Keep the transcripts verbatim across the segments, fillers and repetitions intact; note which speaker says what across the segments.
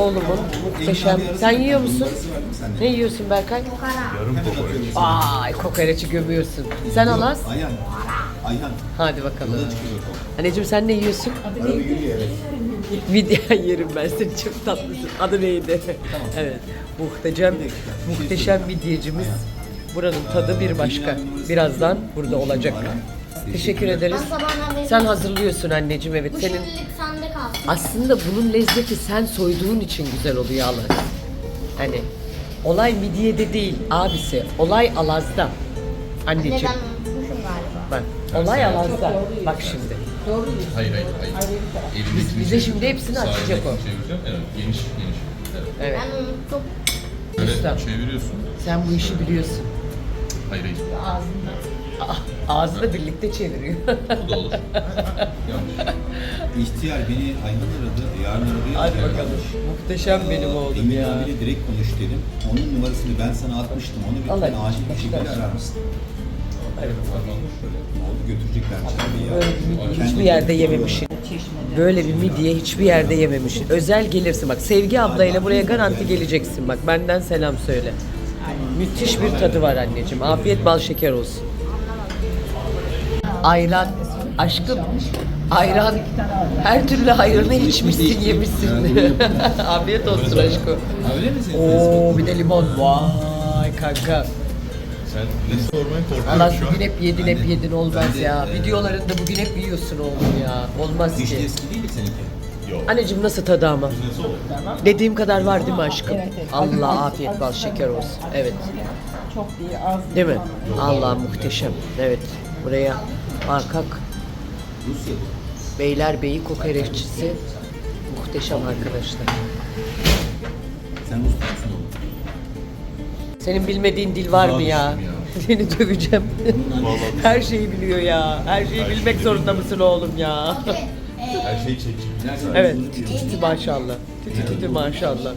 Speaker 1: oğlumun muhteşem. Sen yiyor musun? Ne yiyorsun Berkay?
Speaker 2: Yarım kokoreç.
Speaker 1: Ay kokoreçi gömüyorsun. Sen Alaz?
Speaker 3: Ayhan. Ayhan.
Speaker 1: Hadi bakalım.
Speaker 3: Yola çıkıyor o.
Speaker 1: Anneciğim sen ne yiyorsun?
Speaker 3: Araba yürüyor evet.
Speaker 1: Video yerim ben seni, çok tatlısın. Adı neydi? Evet. Muhteşem, muhteşem midyecimiz. Buranın tadı bir başka. Birazdan burada olacak. Teşekkür ederiz.
Speaker 4: Ben sabahdan beri-
Speaker 1: Sen hazırlıyorsun anneciğim, evet.
Speaker 4: Bu
Speaker 1: Senin
Speaker 4: şimdilik sende kalsın.
Speaker 1: aslında bunun lezzeti sen soyduğun için güzel oluyor Alaz. Hani olay midyede değil abisi. Olay Alaz'da. Anneciğim.
Speaker 4: Neden unutmuşum galiba.
Speaker 1: Bak, olay Alaz'da. Bak şimdi.
Speaker 2: Hayır hayır hayır.
Speaker 1: Biz, bize şimdi hepsini açacak o.
Speaker 2: Çevireceğim. Evet. Geniş geniş. Evet.
Speaker 1: Evet.
Speaker 4: Ben unuttum.
Speaker 2: Böyle
Speaker 1: Usta.
Speaker 2: çeviriyorsun.
Speaker 1: Sen bu işi biliyorsun.
Speaker 2: Hayır hayır.
Speaker 1: Ah, ağzını birlikte çeviriyor.
Speaker 2: Bu da olur. Yanlış.
Speaker 3: İhtiyar beni Ayhan aradı. Yarın aradı.
Speaker 1: Hadi bakalım. Muhteşem benim oğlum
Speaker 3: Emin
Speaker 1: ya.
Speaker 3: abiyle direkt konuş dedim. Onun numarasını ben sana atmıştım. Onu bir
Speaker 1: Allah
Speaker 3: tane acil bir
Speaker 1: aşkına.
Speaker 3: şekilde arar mısın?
Speaker 1: Hadi bakalım.
Speaker 3: Oldu götüreceklermiş abi ya.
Speaker 1: Böyle bir midye hiçbir yerde yememişsin. Böyle bir midye hiçbir yerde yememişsin. Özel gelirsin bak. Sevgi ablayla buraya garanti geleceksin bak. Benden selam söyle. Müthiş bir tadı var anneciğim. Afiyet bal şeker olsun. Ayran. Aşkım. Ayran. Her türlü hayrını içmişsin, yemişsin. Afiyet olsun aşkım.
Speaker 3: Öyle mi senin?
Speaker 1: Oo bir de limon. Vay kanka.
Speaker 2: Sen ne sormaya korkuyorum
Speaker 1: Allah
Speaker 2: şu an.
Speaker 1: bugün hep yedin hep
Speaker 3: Ben de-
Speaker 1: yedin olmaz
Speaker 3: ben de,
Speaker 1: ya.
Speaker 3: e,
Speaker 1: Videolarında bugün hep yiyorsun oğlum ya. Olmaz
Speaker 3: Dişli
Speaker 1: ki.
Speaker 3: eski değil mi seninki?
Speaker 2: Yok.
Speaker 1: Anneciğim nasıl tadı ama?
Speaker 2: Nasıl olur?
Speaker 1: Dediğim kadar var değil mi aşkım? Allah afiyet bal şeker olsun. Evet.
Speaker 5: Çok iyi, az
Speaker 1: Değil mi? Allah muhteşem. Evet. Buraya Arkak
Speaker 3: Rusya.
Speaker 1: Beylerbeyi kokoreççisi muhteşem arkadaşlar.
Speaker 3: Sen Rus musun oğlum?
Speaker 1: Senin bilmediğin dil var mı ya? Seni döveceğim. Her şeyi biliyor ya. Her şeyi bilmek zorunda mısın oğlum ya?
Speaker 2: Her şeyi çekeceğim.
Speaker 1: Evet. Titi titi maşallah. Titi titi maşallah.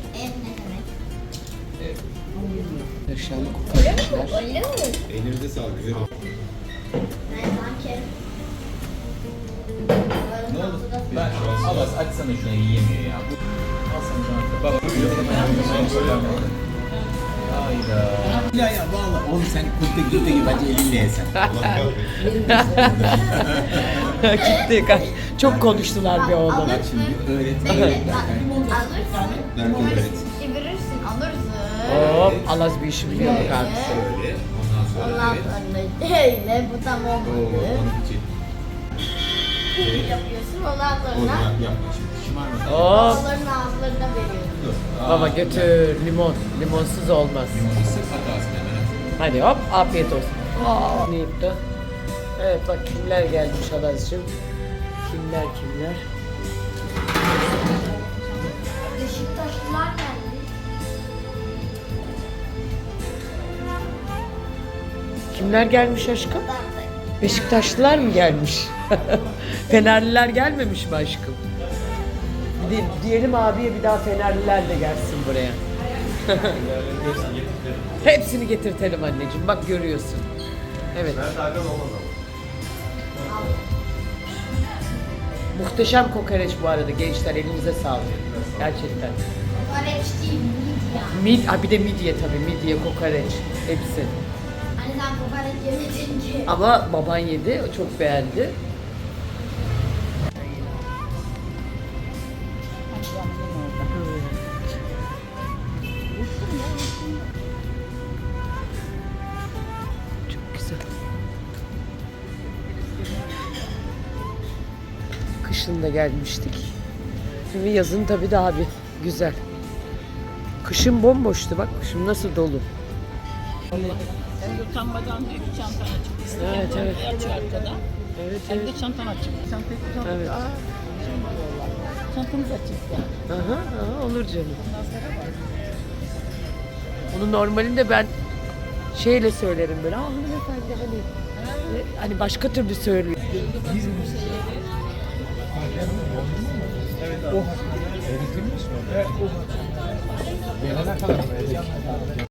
Speaker 1: Muhteşem kokoreçler.
Speaker 4: Öyle mi?
Speaker 3: Ellerinize sağlık. Güzel oldu.
Speaker 4: Ben sanki...
Speaker 3: Ne oldu? Ben Abbas açsana şunu yiyemiyor ya. Al sana şunu. Baba Hayda. Ya ya valla oğlum sen kulte kulte gibi bence elinle yesen.
Speaker 1: Gitti. kaç- Çok konuştular bir oğlum.
Speaker 3: Bak şimdi öğret.
Speaker 4: Evet,
Speaker 3: Öğret
Speaker 4: alırsın.
Speaker 3: Berkay
Speaker 4: Umarız
Speaker 3: öğret.
Speaker 4: çevirirsin, alırsın.
Speaker 1: Hop, Alaz bir işi biliyor bak abisi.
Speaker 3: Öyle. Ondan sonra
Speaker 4: Ondan
Speaker 3: evet.
Speaker 4: sonra öyle, bu tam
Speaker 3: Oo,
Speaker 4: olmadı.
Speaker 3: onu için.
Speaker 4: Yapıyorsun, ondan sonra
Speaker 3: Oradan yapma şimdi. Şımarma.
Speaker 1: Hop.
Speaker 4: onların ağızlarına veriyorsun.
Speaker 3: Dur.
Speaker 1: Baba götür limon. Limonsuz olmaz.
Speaker 3: Sırf hatasını hemen.
Speaker 1: Hadi hop afiyet olsun. Aa, ne yaptı? Evet bak kimler gelmiş Alazcığım. Kimler kimler?
Speaker 4: Beşiktaşlılar geldi.
Speaker 1: Kimler gelmiş aşkım? Beşiktaşlılar mı gelmiş? Fenerliler gelmemiş mi aşkım? Bir de diyelim abiye bir daha Fenerliler de gelsin buraya. Hepsini getirtelim anneciğim. Bak görüyorsun. Evet. Muhteşem kokoreç bu arada gençler. Elinize sağlık. Gerçekten.
Speaker 4: Kokoreç değil, midye.
Speaker 1: Mid, ha bir de midye tabii. Midye, kokoreç. Hepsi.
Speaker 4: Hani sen kokoreç yemedin ki.
Speaker 1: Ama baban yedi. O çok beğendi. Çok güzel. Kışın da gelmiştik. Şimdi yazın tabii daha bir güzel. Kışın bomboştu bak. Şimdi nasıl dolu.
Speaker 5: Sen utanmadan diyor ki çantan açık.
Speaker 1: Evet, evet.
Speaker 5: Açıyor arkada.
Speaker 1: Evet
Speaker 5: Hem
Speaker 1: evet.
Speaker 5: de çantan açık. Çantayı tutalım.
Speaker 1: Evet.
Speaker 5: Aa, şey mi diyorlar? Çantamız açık ya.
Speaker 1: Aha, aha, olur canım.
Speaker 5: Ondan sonra bak.
Speaker 1: Onu normalinde ben şeyle söylerim böyle. Ah hanımefendi hani e, hani başka türlü söylüyor. Oh.